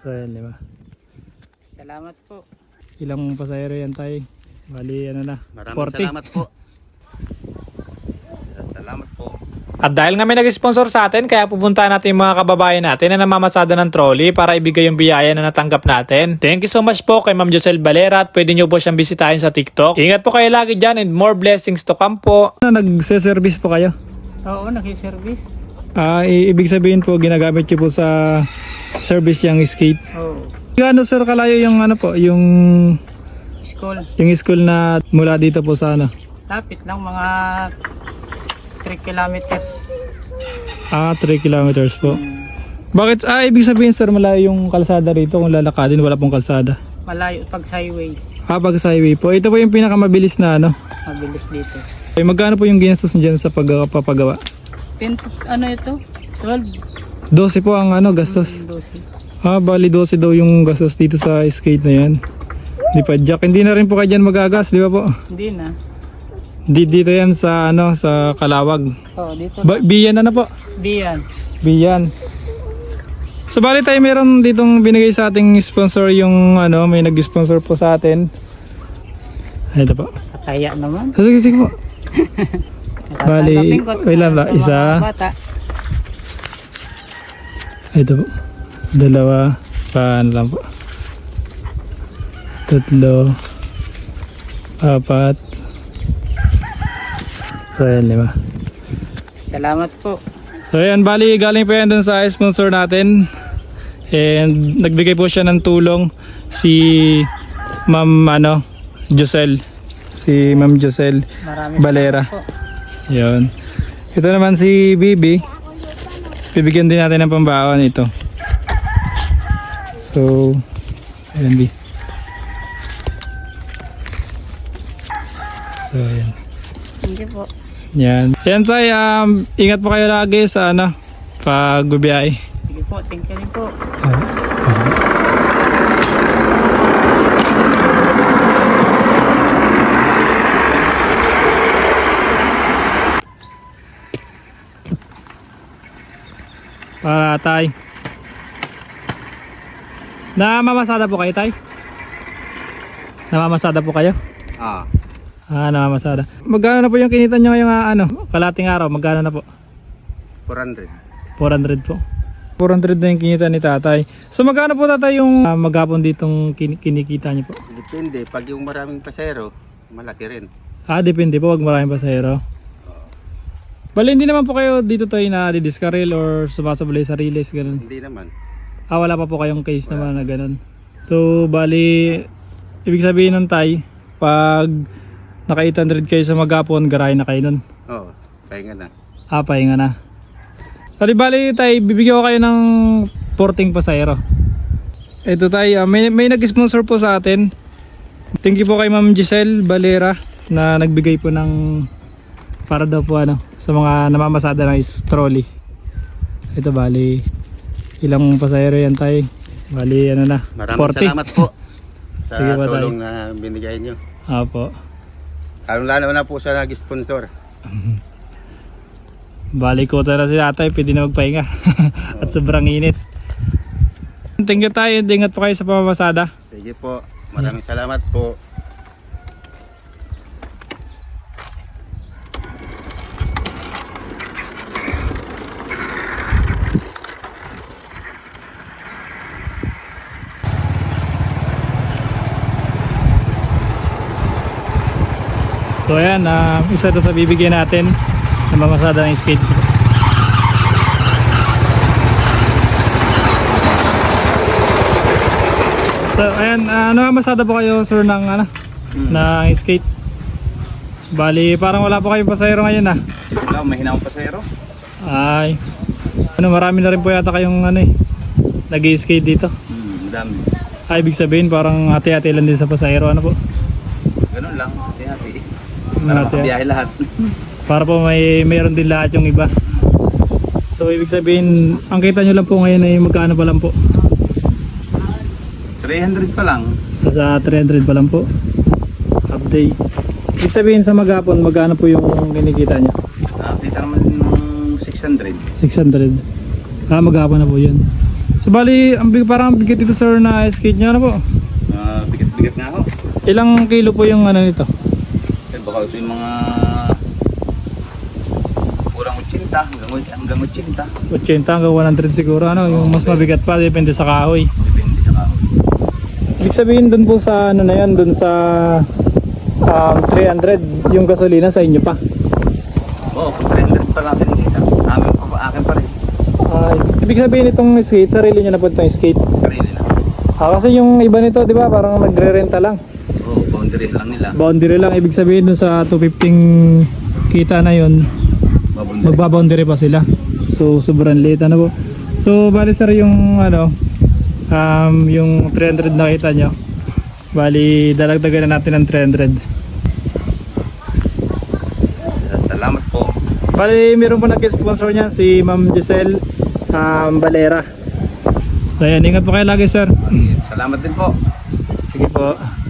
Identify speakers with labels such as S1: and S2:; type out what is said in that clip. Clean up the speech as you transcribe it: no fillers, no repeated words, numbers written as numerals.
S1: So ayan, 5.
S2: Salamat po.
S1: Ilang pasahero yan tayo? Bali ano na,
S3: Maraming
S1: 40.
S3: salamat po. Salamat po.
S4: At dahil nga may nag-sponsor sa atin, kaya pupuntahan natin yung mga kababayan natin na namamasada ng trolley para ibigay yung biyaya na natanggap natin. Thank you so much po kay Ma'am Josel Valera at pwede nyo po siyang bisitahin sa TikTok. Ingat po kayo lagi dyan and more blessings to come po.
S1: Nagse-service po kayo?
S2: Oo, nag-service.
S1: Ibig sabihin po ginagamit nyo po sa service yung skate.
S2: Oo.
S1: Gaano sir kalayo yung ano po, yung
S2: School.
S1: school na mula dito po sa ano?
S2: Lapit lang, mga 3 kilometers.
S1: 3 kilometers po. Bakit? Ibig sabihin sir malayo yung kalsada rito kung lalakadin, wala pong kalsada.
S2: Malayo pag sa highway.
S1: Pag sa highway po. Ito po yung pinakamabilis na ano.
S2: Mabilis dito.
S1: Magkano po yung ginastos nyo dyan sa pagpapagawa?
S2: 10, ano ito? 12.
S1: 12 po ang ano gastos.
S2: 12.
S1: Bali 12 daw yung gastos dito sa skate na yan. Di pa jack. Hindi na rin po kayo dyan magagas, di ba po?
S2: Hindi na.
S1: Dito yan sa ano, sa Kalawag.
S2: Oo, dito
S1: Biyan na po.
S2: Biyan.
S1: Biyan. So bali tayo meron ditong binigay sa ating sponsor yung ano, may nag-sponsor po sa atin. Ito po.
S2: Kaya naman.
S1: Sige po. Bali, ilan ba?
S2: Sa
S1: Isa.
S2: mga bata.
S1: Ito po. 2. Paano lang po. 3. 4. So ayan, 5.
S2: Salamat po.
S1: So ayan, bali galing po yan dun sa sponsor natin. And nagbigay po siya ng tulong si Ma'am Josel. Si Ma'am Josel
S2: Maraming
S1: Valera.
S2: salamat po.
S1: Yun. Ito naman si Bibi. Bibigyan din natin ng pambaon ito. So, ayan Bi. So ayan.
S2: Thank you po.
S1: Yan. Yan tay, ingat po kayo lagi sa pagbibiyahe.
S2: Sige po, thank you rin po.
S1: Para tay. Namamasada po kayo tay? Namamasada po kayo? Namamasada. Magkano na po yung kinita nyo ngayong kalating araw? Magkano na po?
S3: 400.
S1: 400 po. 400 na yung kinita ni tatay. So magkano po tatay yung maghapon ditong kinikita nyo po?
S3: Depende. Pag yung maraming pasero, malaki rin.
S1: Depende po. Wag maraming pasahero. Bali hindi naman po kayo dito tayo na didiskaril or sumasabay sa relays ganun?
S3: Hindi naman.
S1: Wala pa po kayong case naman na ganun. So bali ibig sabihin nun tay, pag naka 800 kayo sa maghapon, garahe na kayo nun.
S3: Oo, pahinga na.
S1: Pahinga na. Bali tay, bibigyan ko kayo ng porting pasahero. Ito tay, may nag-sponsor po sa atin. Thank you po kay Ma'am Giselle Valera na nagbigay po ng para daw po sa mga namamasada ng trolley. Ito bali ilang pasahero yan tay? Bali
S3: Maraming
S1: 40.
S3: salamat po sa
S1: Sige po,
S3: tulong na binigay nyo.
S1: Apo.
S3: Lalo na po sa nag-sponsor.
S1: Bali ko na si tatay, pwede na magpahinga. At sobrang init. Thank you tayo, ingat po kayo sa pamamasada.
S3: Sige po. Maraming salamat po.
S1: So ayan, isa to sa bibigyan natin na mamasada ng skate. So ayan, namamasada po kayo sir ng ng skate. Bali parang wala po kayong pasahero ngayon
S3: Wala, mahina akong pasahero.
S1: Ay, marami na rin po yata kayong nag-skate dito.
S3: Madami.
S1: Ibig sabihin parang hati-hati lang din sa pasahero po.
S3: Ganun lang, hati-hati.
S1: Para
S3: makabiyahe lahat.
S1: Para po mayroon din lahat yung iba. So ibig sabihin, ang kita nyo lang po ngayon ay magkano pa lang po?
S3: 300 pa lang.
S1: Sa 300 pa lang po. Half day. Ibig sabihin sa maghapon, magkano po yung kinikita nyo?
S3: Kita naman ng 600.
S1: 600. Maghapon na po yun. So bali, parang bigat ito sir na skate nyo na po.
S3: Bigat-bigat nga ako.
S1: Ilang kilo po yung ano nito?
S3: Eh, baka ito yung mga kurang 80 hanggang 80.
S1: 80 hanggang 100 siguro, ano, yung mas mabigat pa, depende sa kahoy.
S3: Depende sa kahoy.
S1: Ibig sabihin dun po sa ano na yan, dun sa 300 yung gasolina sa inyo pa.
S3: Oo, 300 pa natin dito. Akin pa rin.
S1: Ibig sabihin itong skate, sarili nyo na po itong skate.
S3: Sarili na.
S1: Kasi yung iba nito, di ba, parang nagre-renta lang.
S3: Oo, boundary lang nila.
S1: Boundary lang, ibig sabihin dun sa 250 kita na yun,
S3: Boundary.
S1: magbaboundary pa sila. So sobrang late ano po. So bali sir yung ano, yung 300 na kita nyo, bali dalagdagan na natin ng 300.
S3: Salamat po.
S1: Bali meron po nag-sponsor niya si Ma'am Giselle Valera. So ayan, ingat po kayo lagi sir.
S3: Salamat din po.
S1: Sige po.